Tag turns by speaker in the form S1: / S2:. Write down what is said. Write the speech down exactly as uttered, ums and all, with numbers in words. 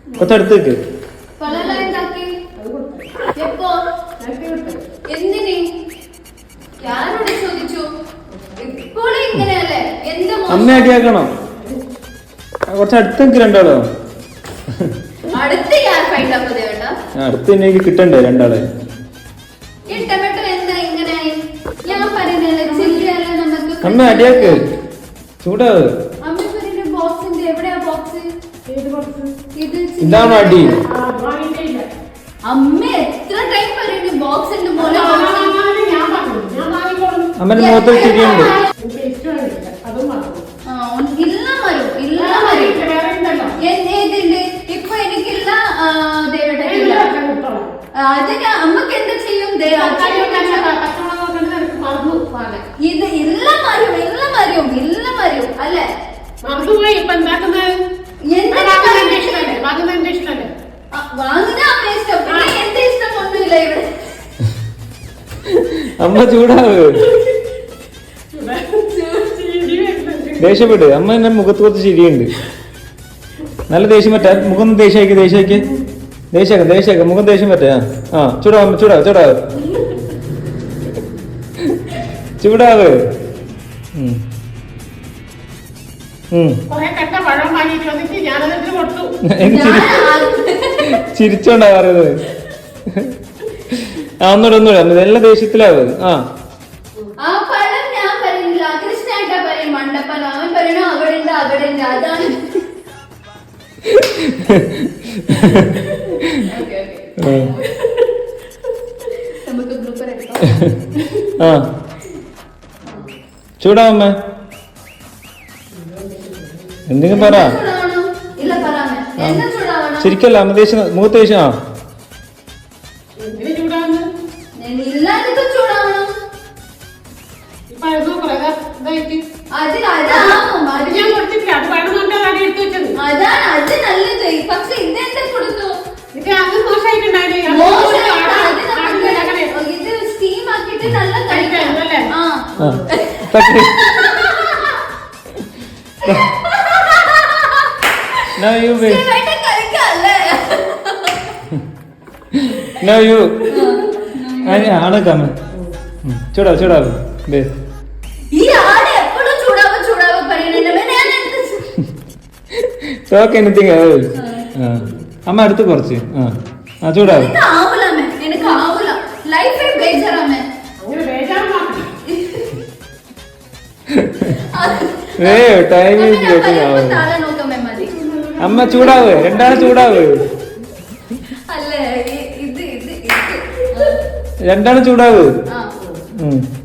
S1: കൊച്ചടുത്തേക്ക് അമ്മ അടിയാക്കണം. കുറച്ചടുത്തേക്ക് രണ്ടാളോ അടുത്ത് എനിക്ക് കിട്ടണ്ടേ രണ്ടാളെ. അമ്മ അടിയാക്ക് ചൂടാവ്. ഇതാണോ അടി? അമ്മന്റെ മുഖത്ത് ചിരിയുണ്ട്.
S2: ഇപ്പൊ എനിക്കില്ല അതിന് അമ്മക്ക് എന്താ ചെയ്യും? ഇത് ഇല്ല മരും ഇല്ല മരും ഇല്ല മരും അല്ലേ?
S3: മറന്നുപോയി. ഇപ്പൊ എന്താക്കുന്നത്? വാങ്ങുന്നതിന്റെ ഇഷ്ടമല്ലേ?
S2: വാങ്ങുന്ന അമ്മ ഇഷ്ടം. പിന്നെ എന്റെ ഇഷ്ടം ഒന്നുമില്ല ഇവിടെ.
S1: അമ്മ ചൂടാവ്. ദേഷ്യപ്പെട്ട് അമ്മ എന്റെ മുഖത്ത് കുറച്ച് ചിരിയുണ്ട്. നല്ല ദേഷ്യം പറ്റാ. മുഖം ദേഷ്യമാക്കി ദേഷ്യമാക്കി ദേഷ്യാക്ക ദേഷ്യാക്ക മുഖം ദേഷ്യം പറ്റാ. ആ ചൂടാവ് ചൂടാവ് ചൂടാവ് ചൂടാവ്. ചിരിച്ചോണ്ടാ പറയുന്നത്. ആ ഒന്നുകൂടെ ഒന്നുകൂടെ നല്ല ദേഷ്യത്തിലാവ്. ആ ആ ചൂടാവമ്മ എന്തെങ്കിലും പറ. ശരിക്കല്ല അമ്മ ദേഷ്യം മുഖത്ത് ദേഷ്യം. ആ Now you wait. Now you. അനി ആണക്കാമ ചൂടാവ് ചൂടാവ്. Talk anything. അമ്മ അടുത്ത് കുറച്ച്. ആ ചൂടാവ്. ടൈം അമ്മ ചൂടാവ്. രണ്ടാള് ചൂടാവ്. രണ്ടാള് ചൂടാവ്.